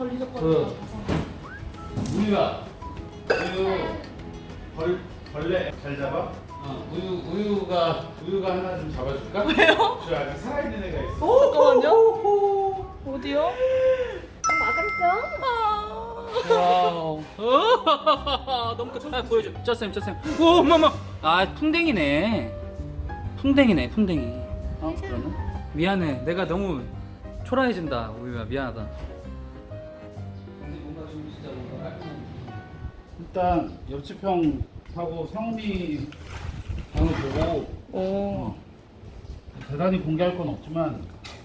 그 우유야, 벌레 잘 잡아? 우유가 하나 좀 잡아줄까? 왜요? 저 아직 살아있는 애가 있어. 잠깐만요. 어디요? Mở cánh cứng. 와우. 너무 크다. 보여줘. 쩌쌤. 오, 엄마. 아, 풍뎅이네. 풍뎅이. 그러네. 미안해. 내가 너무 초라해진다. 우유야, 미안하다. 뭔가 좀 진짜 뭔가 깔끔한. 일단 옆집 형하고 상훈이 방을 보고 오. 대단히 공개할 건 없지만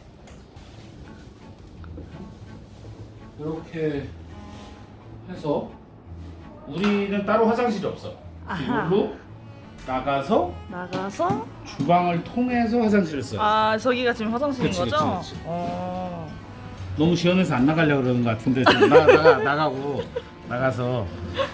이렇게 해서 우리는 따로 화장실이 없어. 아하. 이걸로 나가서 주방을 통해서 화장실을 써요. 아, 저기가 지금 화장실인 그치, 거죠? 그치. 어. 너무 시원해서 안 나가려고 그러는 것 같은데 좀 나가고 나가서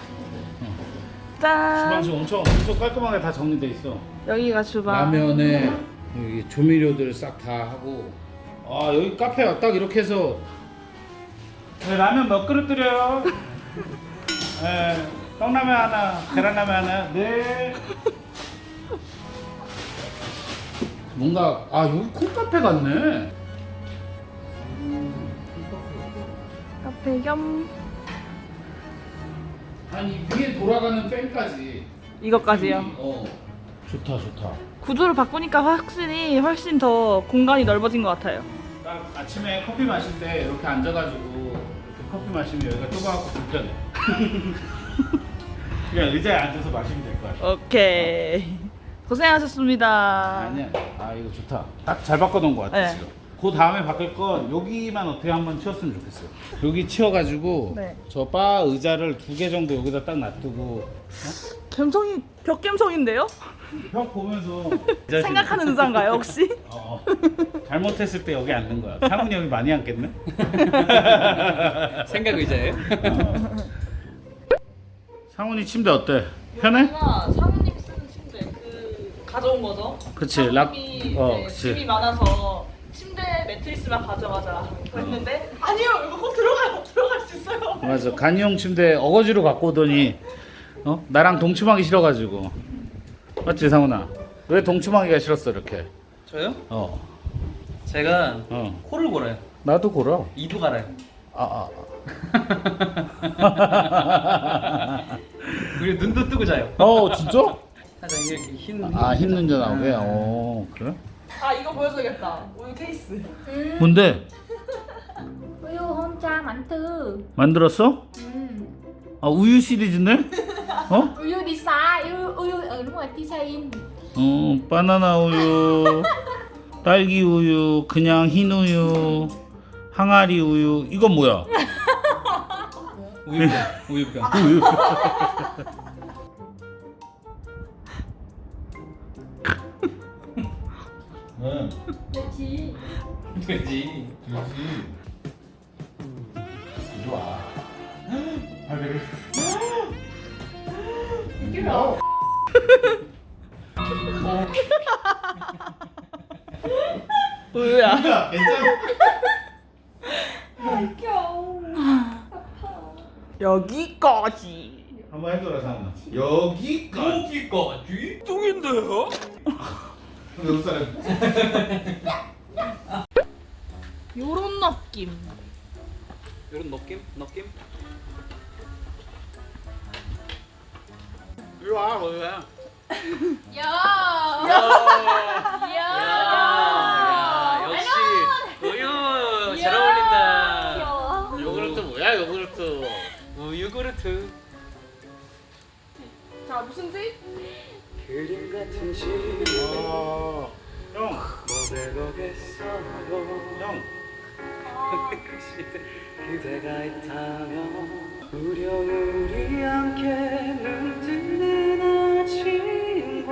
짠. 주방실 엄청 깔끔하게 다 정리돼 있어. 여기가 주방. 라면에 여기 조미료들 싹 다 하고. 아, 여기 카페야. 딱 이렇게 해서. 네, 라면 몇 그릇 드려요? 네, 떡라면 하나, 계란라면 하나. 네. 뭔가 여기 콩카페 같네. 카페 겸 아니, 위에 돌아가는 팬까지. 이것까지요. 좋다. 구조를 바꾸니까 확실히 훨씬 더 공간이 넓어진 것 같아요. 딱 아침에 커피 마실 때 이렇게 앉아가지고 이렇게 커피 마시면 여기가 좁아갖고 불편해. 그냥 의자에 앉아서 마시면 될 것 같아. 오케이. 고생하셨습니다. 아니야. 이거 좋다. 딱 잘 바꿔놓은 것 같아. 네. 지금. 그 다음에 바꿀 건 여기만 어떻게 한번 치웠으면 좋겠어요. 여기 치워가지고 네. 저 바 의자를 2개 정도 여기다 딱 놔두고 감성이 벽 감성인데요? 벽 보면서 생각하는 의사인가요 혹시? 잘못했을 때 여기 앉는 거야. 상훈이 형이 많이 앉겠네. 생각 의자예요? 상훈이 침대 어때? 편해? 사모님 쓰는 침대 가져온 거죠? 그치. 사모님이 그치. 짐이 많아서 침대 매트리스만 가져가자 했는데 아니요 이거 꼭 들어갈 수 있어요. 맞아. 간이 형 침대 어거지로 갖고 오더니 나랑 동침하기 싫어가지고. 맞지 상훈아? 왜 동침하기가 싫었어 이렇게? 저요? 어. 제가 어. 코를 골아요. 나도 골아. 이도 갈아요. 그리고 눈도 뜨고 자요. 진짜? 살짝 이렇게 흰. 흰 눈자 나오게? 그래? 아 이거 보여줘야겠다. 우유 케이스. 뭔데? Uyu honcha mảnh thư. 만들었어? 우유 시리즈네? Uyu design. Uyu đúng rồi, design. 바나나 우유, 딸기 우유, 그냥 흰 우유, 항아리 우유. 이건 뭐야? 우유병. 우유. 왜? Chị. 되지. 그렇지. 이리 와. 발베개. Cái đồ. 우유야. 괜찮아. 여기까지. 한번 해줘라 상훈아. 여기까지. 뚱인데요? 여기 사람. 요런 느낌. 요런 느낌? 이리 와, 우유야. Yo. 야, 역시 우유 잘 어울린다. 요구르트 뭐야, 요구르트? 우유구르트. 자, 무슨 지? 그림 같은 시를 형. 고백하겠어요. 형. 그 시대 그대가 있다면 우리 함께 눈뜨는 아침과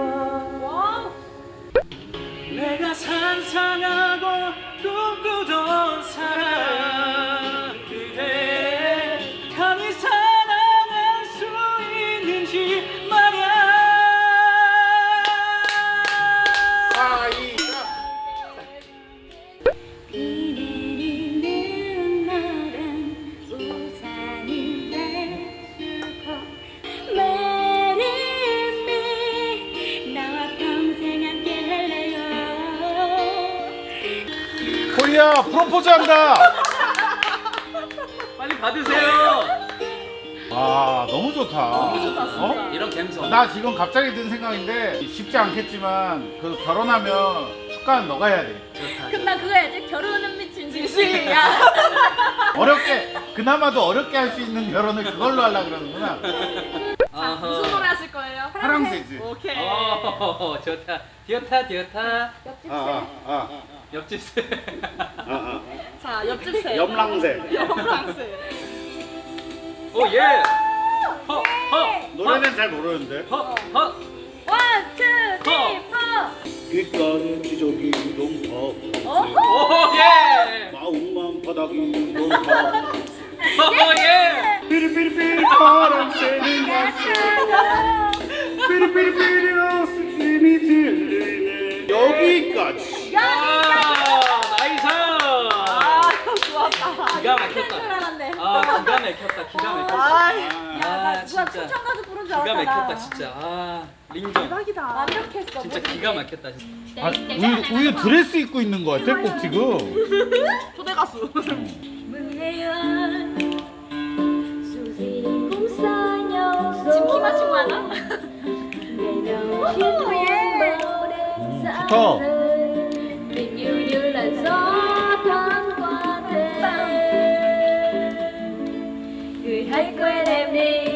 내가 상상하고 꿈꾸던 사랑 그대 감히 사랑할 수 있는지 말야. 비 내리는 날엔 우리 프로포즈 한다. 빨리 받으세요. 와 너무 좋다. 너무 좋다, 진짜. 어? 이런 감성. 나 지금 갑자기 든 생각인데 쉽지 않겠지만 그 결혼하면 축가는 너가 해야 돼. 근데 그거 해야지. 결혼은 미친 진심이야. 어렵게 그나마도 어렵게 할 수 있는 결혼을 그걸로 하려 그러는구나. 무슨 노래 하실 거예요? 파랑새지. 오케이. 좋다. 디어타 디어타. 아. 옆집. 자, 옆집 새. 염랑새. 염랑새. 오 예. 허 허. 노래는 잘 모르는데. 허 허. 원, 투, 쓰리, 포. 귓가는 기저귀 동파 오 예. 마음만 바닥이 동파 오 예. 삐리삐리삐리 바람새는 삐리삐리삐리 웃음이 들리네. 여기까지. 나이스. 아, 좋았다. 기가 줄 막혔다. 알았네. 기가 막혔다. 기가 막혔다. 아, 나 누가 진짜. 춘천 가서 부른 줄 기가 알았다. 막혔다 진짜. 링정. 대박이다. 완벽했어. 진짜 기가 막혔다 진짜. 아, 우유 드레스 입고 있는 거 같아 꼭 지금. 초대 가수. 지금 키 맞추고 하나? 좋다. Tình yêu như là gió thoáng qua đêm. Người hãy quên em đi.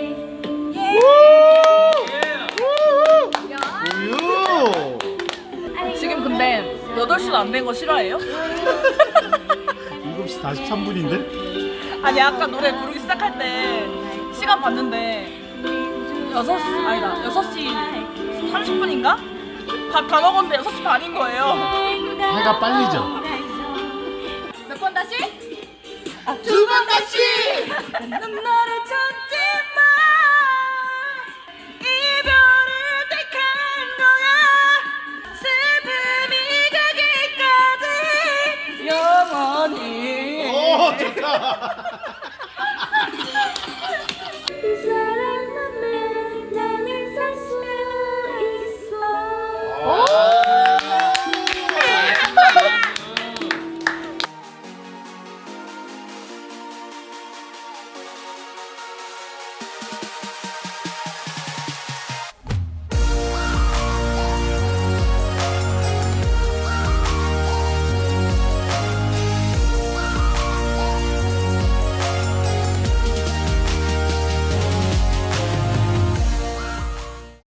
우유. 지금 근데 8시도 안 된 거 싫어해요? 7시 43분인데? 아니 아까 노래 부르기 시작할 때 시간 봤는데 6시 아니다 6시 30분인가? 밥 다 먹었는데 6시 반인 거예요. 해가 빨리죠. 몇 번 다시? 두 번 다시 넌 너를 찾지 마 이별을 택한 거야 슬픔이 가기까지 영원히 오 좋다.